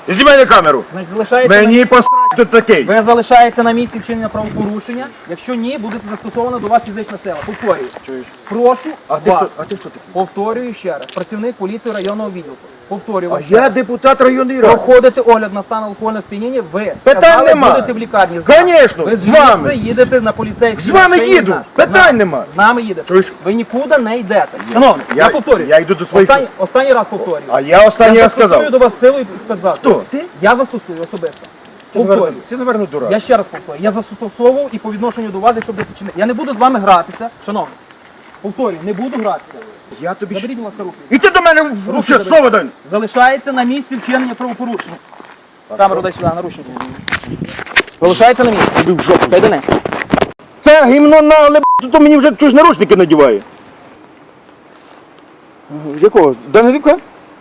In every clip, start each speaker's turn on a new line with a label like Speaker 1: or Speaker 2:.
Speaker 1: Знімай на камеру.
Speaker 2: Значить, залишається
Speaker 1: Мені посрать тут такий.
Speaker 2: Ви залишаєтеся на місці вчинення правопорушення. Якщо ні, буде застосована до вас фізична сила. Повторюю. Прошу
Speaker 1: А ти
Speaker 2: вас.
Speaker 1: хто такий?
Speaker 2: Повторюю ще раз. Працівник поліції районного відділку. Повторюю
Speaker 1: А
Speaker 2: вам ще
Speaker 1: я
Speaker 2: раз.
Speaker 1: депутат районної ради.
Speaker 2: Проходите огляд на стан алкогольного сп'яніння, ви
Speaker 1: Питань
Speaker 2: сказали,
Speaker 1: нема.
Speaker 2: будете в лікарні.
Speaker 1: Конечно,
Speaker 2: Ви
Speaker 1: з вами.
Speaker 2: звідси їдете на поліцейський.
Speaker 1: З вами
Speaker 2: машині,
Speaker 1: їду.
Speaker 2: знаєте.
Speaker 1: Питань нема.
Speaker 2: З нами їдете.
Speaker 1: Чуєш?
Speaker 2: Ви нікуди не йдете. Шановний, я повторюю.
Speaker 1: Я йду до своїх.
Speaker 2: Останній раз повторюю.
Speaker 1: А я останній раз
Speaker 2: застосую
Speaker 1: сказав.
Speaker 2: до вас силу і спецзасоби.
Speaker 1: Хто? Ти?
Speaker 2: Я застосую особисто.
Speaker 1: Ти,
Speaker 2: Повторюю.
Speaker 1: напевно, дурак.
Speaker 2: Я ще раз повторюю. Я застосовував і по відношенню до вас, якщо будете чинити. Я не буду з вами гратися, шановні. Повторюю, не буду гратися.
Speaker 1: Я тобі...
Speaker 2: Заберіть, будь ласка, руки.
Speaker 1: І ти до мене ще
Speaker 2: заберіть.
Speaker 1: слово дай.
Speaker 2: Залишається на місці вчинення правопорушення. Камеру дай сюди, наручники. Залишається на місці.
Speaker 1: Тобі в жопу.
Speaker 2: Кайдане.
Speaker 1: Це гімно нагле, то мені вже чужі наручники надіває. Якого? Данилюка?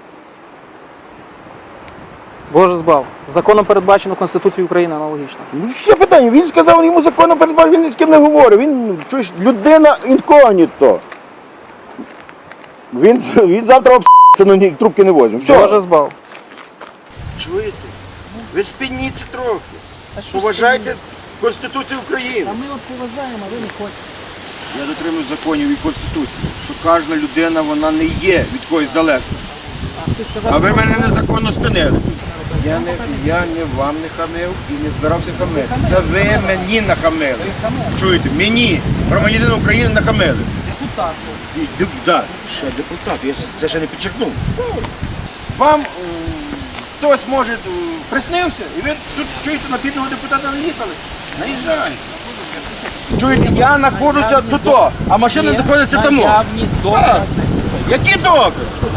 Speaker 2: Боже збав. Законом передбачено Конституцією України аналогічно.
Speaker 1: Ну, все питання. Він сказав, йому законом передбачено, він ні з ким не говорить. Він, чуєш, людина інкогніто. Він завтра обс***ться, но ні, трубки не возьме.
Speaker 2: Боже
Speaker 1: Все.
Speaker 2: збав.
Speaker 1: Чуєте? Ви спинніться трохи. Поважайте Конституцію України.
Speaker 2: А ми от поважаємо, а ви не хочете.
Speaker 1: Я дотримуюсь законів і Конституції, що кожна людина, вона не є від когось залежна. А ви мене незаконно спинили. Я не вам не хамив і не збирався хамити. Це ви мені нахамили. Чуєте? Мені, громадянин України, нахамили.
Speaker 2: Депутат.
Speaker 1: Так, ще депутат, я це ще не підчеркнув. Вам хтось може приснився, і ви тут чуєте, на бідного депутата наїхали. Наїжджайте. Чуєте, я знаходжуся тут, а машина знаходиться там.
Speaker 2: Наявні докази.
Speaker 1: Які докази?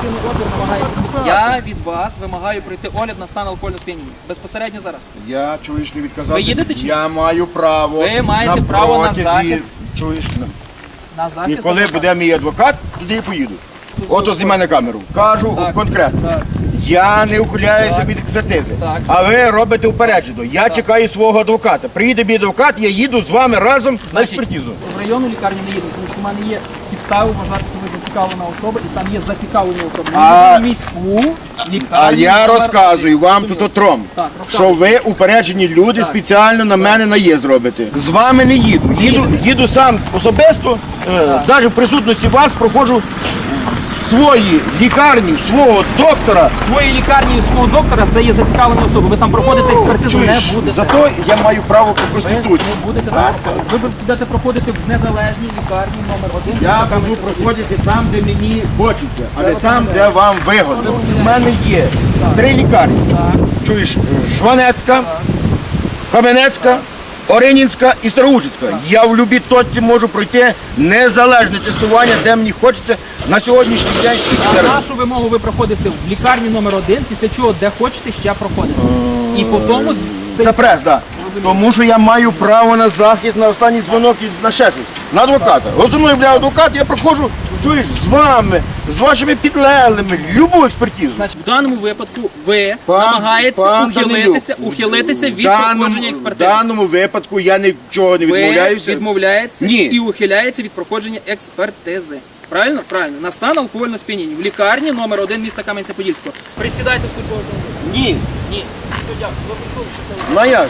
Speaker 2: Я від вас вимагаю пройти огляд на стан алкогольного сп'яніння. Безпосередньо зараз.
Speaker 1: Я, чуєш, не відказався.
Speaker 2: Ви їдете чи ні?
Speaker 1: Я маю право.
Speaker 2: Ви маєте право на захист.
Speaker 1: Чуєш?
Speaker 2: На
Speaker 1: І
Speaker 2: захист.
Speaker 1: коли буде мій адвокат, туди я поїду. Ото знімай на камеру. Кажу
Speaker 2: Так,
Speaker 1: конкретно.
Speaker 2: так.
Speaker 1: Я не ухиляюся від експертизи.
Speaker 2: Так.
Speaker 1: А ви робите упереджено. Я чекаю свого адвоката. Приїде мій адвокат, я їду з вами разом на
Speaker 2: Значить,
Speaker 1: експертизу.
Speaker 2: в районну лікарню не їду, тому що в мене є підстави вважати, що ви зацікавлена особа, і там є зацікавлені особи.
Speaker 1: А-
Speaker 2: Я їду в міську лікарню.
Speaker 1: А я
Speaker 2: номер
Speaker 1: розказую
Speaker 2: один.
Speaker 1: вам тут отром,
Speaker 2: Так,
Speaker 1: що
Speaker 2: розказуй.
Speaker 1: ви упереджені люди спеціально на мене наїзд робите. З вами не їду. Їду сам особисто, навіть в присутності вас проходжу в своїй лікарні, свого доктора.
Speaker 2: В своїй лікарні і свого доктора це є зацікавлені особи. Ви там проходите експертизу,
Speaker 1: Чуєш,
Speaker 2: не будете.
Speaker 1: зато я маю право по
Speaker 2: Ви
Speaker 1: Конституції.
Speaker 2: не будете там проходити. Ви будете проходити в незалежній лікарні номер 1.
Speaker 1: Я буду проходити там, де мені хочеться, а не там, де вам вигодно. У мене є 3 лікарні. Чуєш, Жванецька, Кам'янецька, Оринінська і Староушицька. Я в любій точці можу пройти незалежне тестування, де мені хочеться на сьогоднішній день.
Speaker 2: А нашу вимогу ви проходите в лікарні номер 1, після чого де хочете ще проходите. І по тому
Speaker 1: Це прес, так. Тому що я маю право на захист, на останній дзвонок і на ще щось. На адвоката. От зі мною, бля, адвокат, я проходжу, чуєш, з вами, з вашими підлеглими, любу експертизу.
Speaker 2: Значить, в даному випадку ви
Speaker 1: Пан
Speaker 2: намагаєтеся
Speaker 1: Данилюк,
Speaker 2: ухилитися від
Speaker 1: в даному-
Speaker 2: проходження
Speaker 1: В
Speaker 2: експертизи.
Speaker 1: даному випадку я нічого не
Speaker 2: Ви
Speaker 1: відмовляюся.
Speaker 2: відмовляєтеся
Speaker 1: Ні.
Speaker 2: і ухиляється від проходження експертизи. Правильно? Правильно. На стан алкогольного сп'яніння. В лікарні номер 1 міста Кам'янця-Подільського. Присідайте в службовий автомобіль.
Speaker 1: Ні.
Speaker 2: Ні. Все, дякую. Ви прийшли, щасливо.
Speaker 1: Ну а як?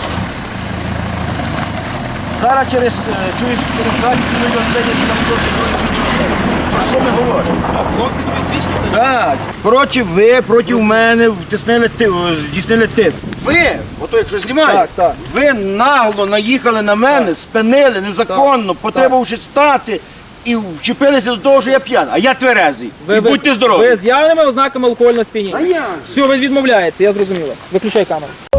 Speaker 1: Зараз через 20 хвилин розпинять там зовсім свідчення. Про що ми говоримо?
Speaker 2: Зовсім тобі свідчення?
Speaker 1: Так. Коротше, ви проти мене здійснили тиск. Ви, ото якщо знімаєте,
Speaker 2: Так.
Speaker 1: ви нагло наїхали на мене, спинили незаконно, потребувавши стати і вчепилися до того, що я п'яний. А я тверезий. І будьте здорові.
Speaker 2: Ви з явними ознаками алкогольного сп'яніння.
Speaker 1: А як?
Speaker 2: Все, ви відмовляєтеся, я зрозумів вас. Виключай камеру.